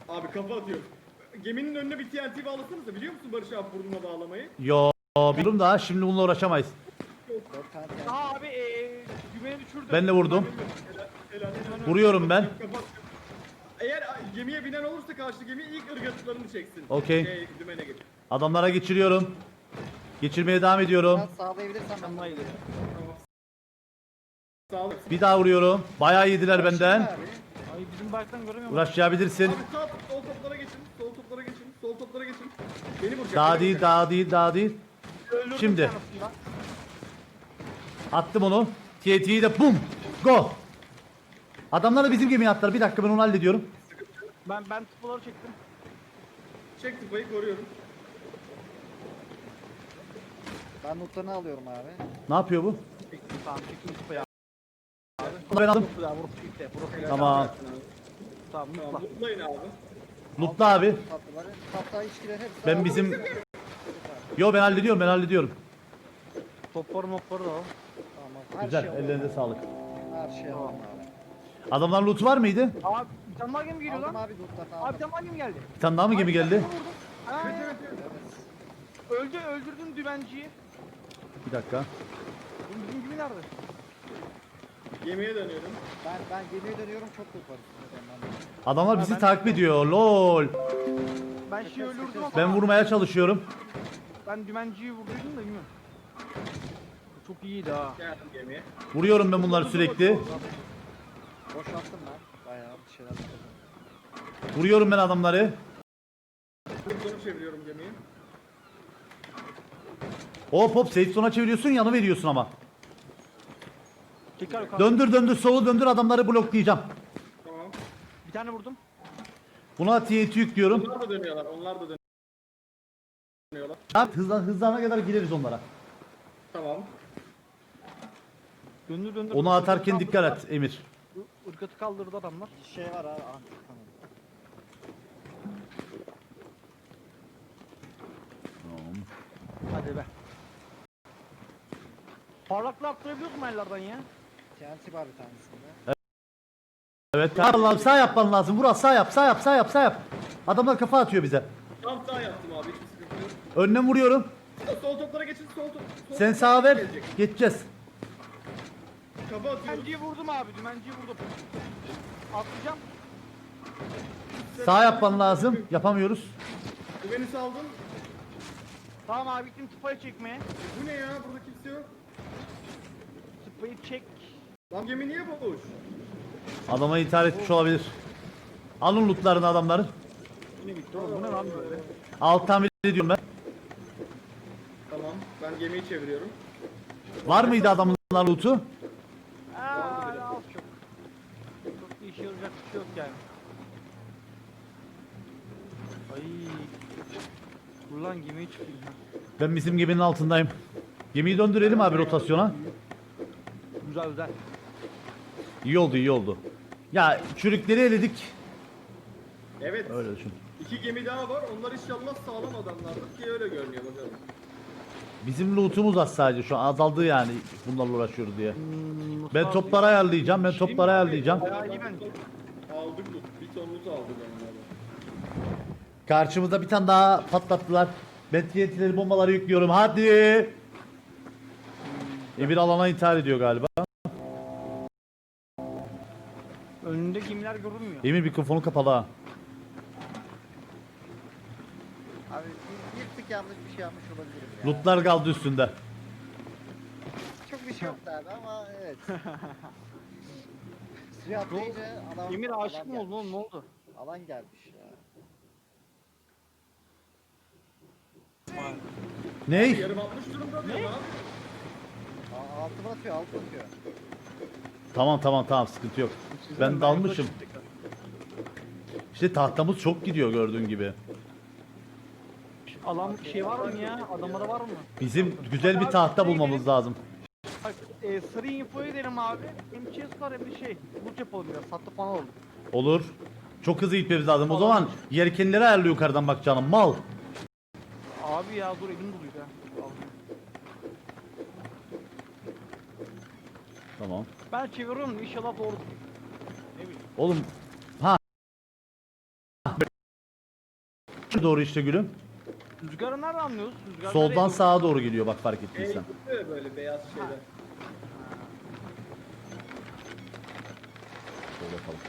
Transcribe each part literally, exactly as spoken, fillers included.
Abi kafa atıyor. Geminin önüne bir T N T bağlasanıza, biliyor musun Barış abi burnuna bağlamayı? Yo, biliyorum da şimdi bununla uğraşamayız. Dört tane yani. Aa abi eee dümeni düşürdüm. Ben de vurdum. Helal, helal, helal. Vuruyorum ben. Kapat. Eğer gemiye binen olursa karşı gemi ilk ırgatlarını çeksin. Okey. Şey, dümene geç. Adamlara geçiriyorum. Geçirmeye devam ediyorum. Biraz sağlayabilirsen ben Vallahi de. Tamam. Sağ ol. Bir daha vuruyorum. Bayağı yediler benden. Abi. Ay bizim barktan göremiyorum. Uğraşabilirsin. Abi sağ sol toplara geçin. Sol toplara geçin. Sol toplara geçin. Beni vuracak. Daha beni değil, vuracak. daha değil, daha değil. Öldürdüm Şimdi. bir tanesini lan. Attım onu. T N T'yi de bum. Go. Adamlar da bizim gemiye attılar. Bir dakika ben onu hallediyorum. Ben ben tıpaları çektim. Çek tıpayı, koruyorum. Ben notlarını alıyorum abi. Ne yapıyor bu? Çektim tamam çektim tıpayı abi. Bunu ben aldım. Ya vurup gitti. Vurup Tamam. Tamam Tamam, mutla. mutlayın abi. Mutlu abi. Tatlıları. Hatta içkiler hepsi. Ben abi. bizim... Yo ben hallediyorum, ben hallediyorum. Topları mopları da al. Tamam. Her Güzel, şey alalım. ellerinize sağlık. Her şey alalım abi. Adamların loot'u var mıydı? Abi bir tane daha gemi geliyor Aldım lan. abi notlarını Abi bir aldım. tane daha gemi geldi. Bir tane daha mı gemi geldi? Ha, Evet, evet, evet. Evet. öldü öldürdüm dümenciyi. Bir dakika. Oğlum bizim gemi nerede? Gemiye dönüyorum. Ben ben gemiye dönüyorum, çok not var üstünde benden. Adamlar bizi ben- takip ediyor. Lol. Ben şey öldürdüm ama. Ben vurmaya çalışıyorum. Ben dümenciyi vurduydum da bilmiyorum. Çok iyiydi ha. Geldim gemiye. Vuruyorum ben bunları sürekli. Boşalttım ben. Bayağı bir şeyler yapalım. Vuruyorum ben adamları. Sonu çeviriyorum gemiyi. Hop hop, safe zone'a çeviriyorsun, yanı veriyorsun ama. Tekrar yukarı. Döndür döndür, solu döndür, adamları bloklayacağım. Tamam. Bir tane vurdum. Buna T N T yüklüyorum. Onlar da dönüyorlar. Onlar da dönüyorlar. Abi hızlan, hızlanana kadar gireriz onlara. Tamam. Döndür döndür. Onu atarken Irgatı dikkat kaldırdılar. et Emir. Irgatı kaldırdı adamlar. Bir şey var abi. Ah, tamam. Hadi be. Parlaklığı arttırabiliyor musun ellerden ya? T N T var bir tanesinde. Evet. Allah'ım sağ yapman lazım. Vural sağ yap, sağ yap, sağ yap, sağ yap. Adamlar kafa atıyor bize. Tam sağ yaptım abi. Hiçbir sıkıntı yok. Önüne vuruyorum. Sol toplara geçin. Sol top. sol Sen toplara sağa ver. gelecek. Geçeceğiz. Kafa atıyorum. Dümenciyi vurdum abi. Dümenciyi vurdum. Atlayacağım. Sağ yapman lazım. Yapamıyoruz. Güveni saldım. Tamam abi gittim tıpayı çekmeye. Bu ne ya? Burada kimse yok. Tıpayı çek. Lan gemi niye boş? Adama intihar etmiş olabilir. Alın lootlarını adamların. Yine bitti oğlum. Bu ne lan böyle? Alt tamir ediyorum ben. Tamam. Ben gemiyi çeviriyorum. Var mıydı adamın loot'u? Aaa az çok. Çok bir işe yarayacak bir şey yok yani. Ay. Dur lan gemiye çıkayım ha. Ben bizim geminin altındayım. Gemiyi döndürelim abi rotasyona. Güzel güzel. İyi oldu, iyi oldu. Ya çürükleri eledik. Evet. Öyle düşün. İki gemi daha var. Onlar inşallah sağlam adamlardır ki öyle görünüyor bakalım. Bizim loot'umuz az sadece şu an azaldı yani bunlarla uğraşıyoruz diye. Hmm, Ben topları ayarlayacağım, ben topları ayarlayacağım. Bayağı iyi bence. Aldık loot. Bir ton loot aldık onlardan. Karşımızda bir tane daha patlattılar. Ben T N T'leri, bombaları yüklüyorum. Hadi. Emir alana intihar ediyor galiba. Önünde gemiler görünmüyor. Emir mikrofonu kapalı ha. Abi bir, bir tık yanlış bir şey yapmış olabilirim ya. Lootlar kaldı üstünde. Çok bir şey yoktu abi ama evet. Suya atlayınca alan, Emir aşık alan mı oldu gelmiş. oğlum ne oldu? Alan gelmiş ya. Ney? Yarım atmış durumda ne? Abi. Aa, altıma atıyor, altı atıyor. Tamam tamam tamam, sıkıntı yok. Ben dalmışım. İşte tahtamız çok gidiyor gördüğün gibi. Alan şey var mı ya? Adamlara var mı? Bizim güzel bir tahta bulmamız lazım. Bak e, sarı info edelim abi. Hem chest var hem de şey. Loot yapalım biraz. Sattı falan oldu. Olur. Çok hızlı gitmemiz lazım. O zaman yelkenleri ayarlı yukarıdan bak canım. Mal. Abi ya dur elim doluydu ha. Al. Tamam. Ben çeviriyorum inşallah doğru. Ne bileyim. Oğlum ha doğru işte gülüm. Rüzgarı nereden anlıyoruz? Rüzgar Soldan nereye sağa doğru geliyor bak fark E, ettiysen. gidiyor böyle beyaz şeyler. Şöyle yapalım.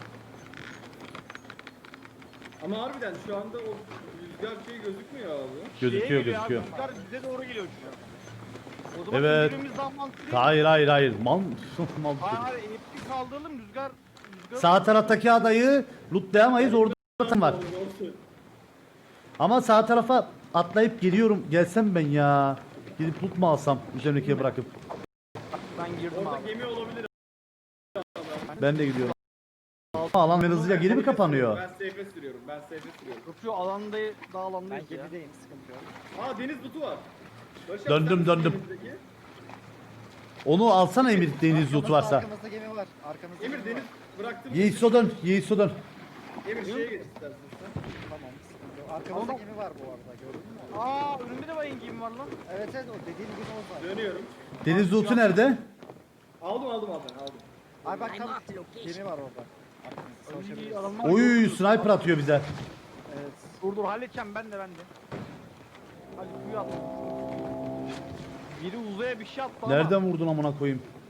Ama harbiden şu anda o rüzgar şey gözükmüyor abi. doğru? Gözüküyor Şeye geliyor abi, gözüküyor. Rüzgar bize doğru geliyor şu an. O zaman Evet. evet. Daha mantıklı. Hayır hayır hayır. Mal mal. Hayır hayır hepsi kaldıralım rüzgar. rüzgar Sağ taraftaki adayı lootlayamayız orada zaten var. Doğru. Ama sağ tarafa atlayıp geliyorum. Gelsem ben ya. Gidip loot mu alsam üzerindekiye bırakıp. Ben girdim Orada abi. gemi olabilir. Ben de gidiyorum. Alan ben hızlıca geri mi kapanıyor? Ben safe'e sürüyorum. Ben safe'e sürüyorum. Yok şu alanda daha Ben alandayız ya. gemideyim, sıkıntı yok. Aa deniz butu var. Barış abi, Döndüm, sen misin döndüm. denizdeki? Onu alsana Emir deniz loot Arkamızda- varsa. Arkamızda gemi var. Arkamızda Emir gemi deniz var. bıraktım. Yiğitso dön. Yiğitso dön. Emir şeye geç istersen sen. Tamam, sıkıntı yok. Arkamızda Ama- gemi var bu arada, gördün mü? Aa önümde de bayın gemi var lan. Evet evet, o dediğin gibi o var. Dönüyorum. Deniz loot'u nerede? Aldım aldım aldım aldım. Ay bak tam gemi var orada. Arkamızda İyi savaşabiliriz. adamlar. Oy yok. sniper atıyor bize. Evet. Dur dur halledeceğim ben de ben de. Hadi kuyu at. Biri uzaya bir şey attı ama. Nereden vurdun amına koyayım?